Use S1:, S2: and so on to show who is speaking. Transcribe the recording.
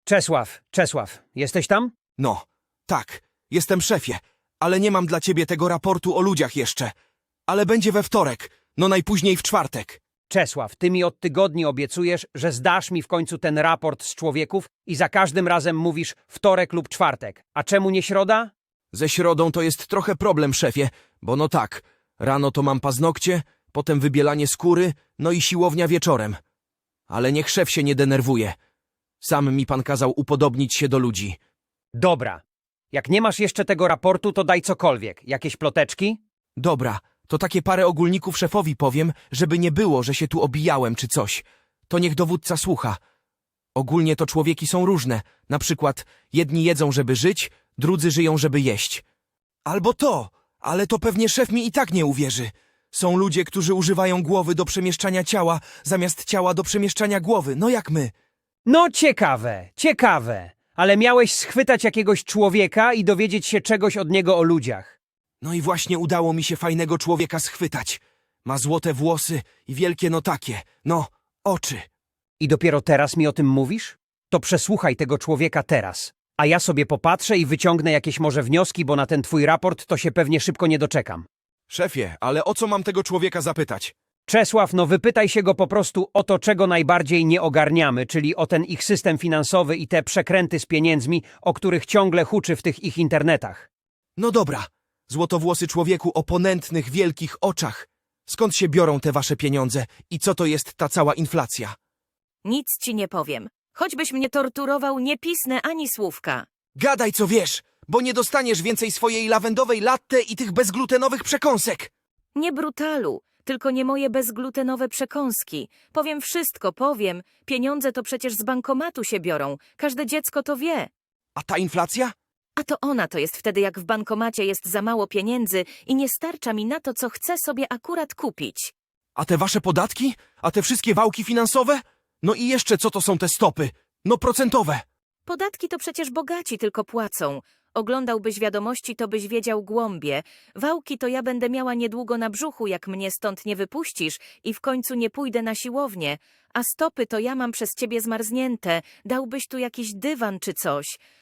S1: Czesław, jesteś tam?
S2: No, tak, jestem szefie, ale nie mam dla ciebie tego raportu o ludziach jeszcze. Ale będzie we wtorek, no najpóźniej w czwartek.
S1: Czesław, ty mi od tygodni obiecujesz, że zdasz mi w końcu ten raport z człowieków i za każdym razem mówisz wtorek lub czwartek. A czemu nie środa?
S2: Ze środą to jest trochę problem, szefie, bo no tak, rano to mam paznokcie, potem wybielanie skóry, no i siłownia wieczorem. Ale niech szef się nie denerwuje. Sam mi pan kazał upodobnić się do ludzi.
S1: Dobra. Jak nie masz jeszcze tego raportu, to daj cokolwiek. Jakieś ploteczki?
S2: Dobra, to takie parę ogólników szefowi powiem, żeby nie było, że się tu obijałem czy coś. To niech dowódca słucha. Ogólnie to człowieki są różne. Na przykład jedni jedzą, żeby żyć, drudzy żyją, żeby jeść. Albo to, ale to pewnie szef mi i tak nie uwierzy. Są ludzie, którzy używają głowy do przemieszczania ciała, zamiast ciała do przemieszczania głowy, no jak my.
S1: No ciekawe. Ale miałeś schwytać jakiegoś człowieka i dowiedzieć się czegoś od niego o ludziach.
S2: No i właśnie udało mi się fajnego człowieka schwytać. Ma złote włosy i wielkie no takie, no, oczy.
S1: I dopiero teraz mi o tym mówisz? To przesłuchaj tego człowieka teraz. A ja sobie popatrzę i wyciągnę jakieś może wnioski, bo na ten twój raport to się pewnie szybko nie doczekam.
S2: Szefie, ale o co mam tego człowieka zapytać?
S1: Czesław, no wypytaj się go po prostu o to, czego najbardziej nie ogarniamy, czyli o ten ich system finansowy i te przekręty z pieniędzmi, o których ciągle huczy w tych ich internetach.
S2: No dobra, złotowłosy człowieku o ponętnych, wielkich oczach. Skąd się biorą te wasze pieniądze i co to jest ta cała inflacja?
S3: Nic ci nie powiem. Choćbyś mnie torturował, nie pisnę ani słówka.
S2: Gadaj co wiesz, bo nie dostaniesz więcej swojej lawendowej latte i tych bezglutenowych przekąsek.
S3: Nie brutalu, tylko nie moje bezglutenowe przekąski. Powiem wszystko, powiem. Pieniądze to przecież z bankomatu się biorą. Każde dziecko to wie.
S2: A ta inflacja?
S3: A to ona to jest wtedy, jak w bankomacie jest za mało pieniędzy i nie starcza mi na to, co chcę sobie akurat kupić.
S2: A te wasze podatki? A te wszystkie wałki finansowe? No i jeszcze co to są te stopy? No procentowe.
S3: Podatki to przecież bogaci tylko płacą. Oglądałbyś wiadomości, to byś wiedział głąbie. Wałki to ja będę miała niedługo na brzuchu, jak mnie stąd nie wypuścisz i w końcu nie pójdę na siłownię. A stopy to ja mam przez ciebie zmarznięte. Dałbyś tu jakiś dywan czy coś.